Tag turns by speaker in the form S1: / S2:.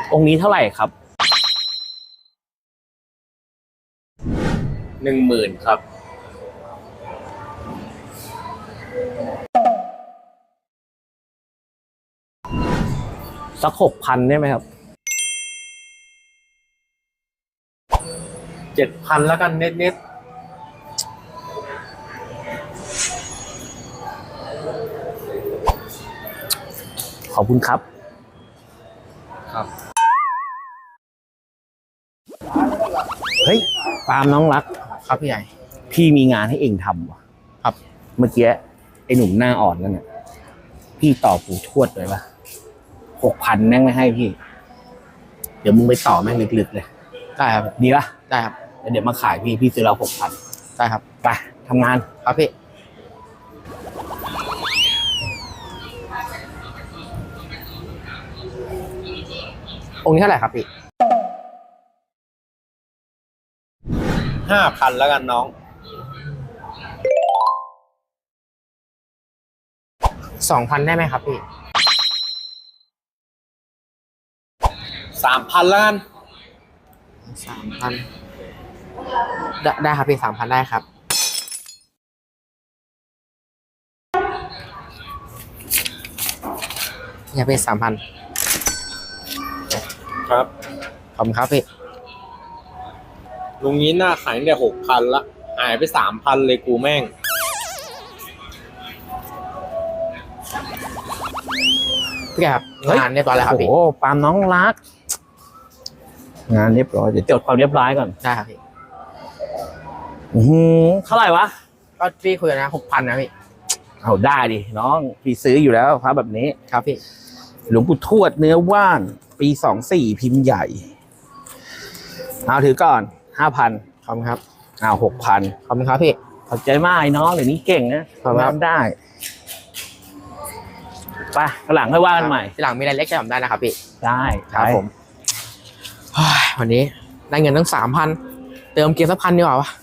S1: องค์นี้เท่าไหร่ครับ
S2: 10,000ครับ
S1: สัก6,000ได้ไหมครับ
S2: 7,000แล้วกันเน็ต
S1: ขอบคุณครับ
S2: ครับ
S1: เฮ้ยปาล์มน้องรัก
S2: ครับพี่ใหญ่
S1: พี่มีงานให้เองทำว่ะ
S2: ครับ
S1: เมื่อกี้ไอ้หนุ่มหน้าอ่อนนั่นน่ะพี่ต่อปู่ทวดเลยปะ6,000แม่งไม่ให้พี่ เดี๋ยวมึงไปต่อแม่งลึกๆเลย
S2: ได้ครับ
S1: ดีปะ
S2: ได้ครับ
S1: แล้วเดี๋ยวมาขายพี่ซื้อเรา6,000
S2: ได้ครับ
S1: ไปทำงาน
S2: ครับพี่องค์นี้เท่าไหร่ครับพี่5,000แล้วกันน้อง2,000ได้ไหมครับพี่3,000แล้วกัน3,000ได้ครับพี่3,000ได้ครับอย่าไป3,000ครับขอบคุณครับพี่ลุงนี้หน้าขายตั้งแต่6,000ละหายไป3,000เลยกูแม่งพี่ครับงานเรียบร้อยแล้วครับพี่
S1: โอ้ปาล์มน้องรัก งานเรียบร้อยเดี๋ยวจดความเรียบร้อยก่อน
S2: ได้ครับพี่
S1: เท่าไหร่วะ
S2: ก็พี่คุยกันนะ6,000นะพี่
S1: เอาได้ดิน้องพี่ซื้ออยู่แล้วพระแบบนี้
S2: ครับพี่
S1: หลวงปู่ทวดเนื้อว่านปี24พิมพ์ใหญ่เอาถือก่อน5,000
S2: ขอบคุณครับ
S1: เอา6,000
S2: ขอบคุณครับพี่
S1: ขอบใจมากไอ้น้องเดี๋ยวนี้เก่งนะ
S2: ขอบคุณครับ
S1: ทำได้ไปข้างหลังค่อยว่ากันใหม่
S2: ทีหลังมีอะไรเล็กจะทำได้นะครับพี่
S1: ได้ไป
S2: วันนี้ได้เงินตั้ง3,000เติมเกียร์สัก1,000ดีกว่าวะ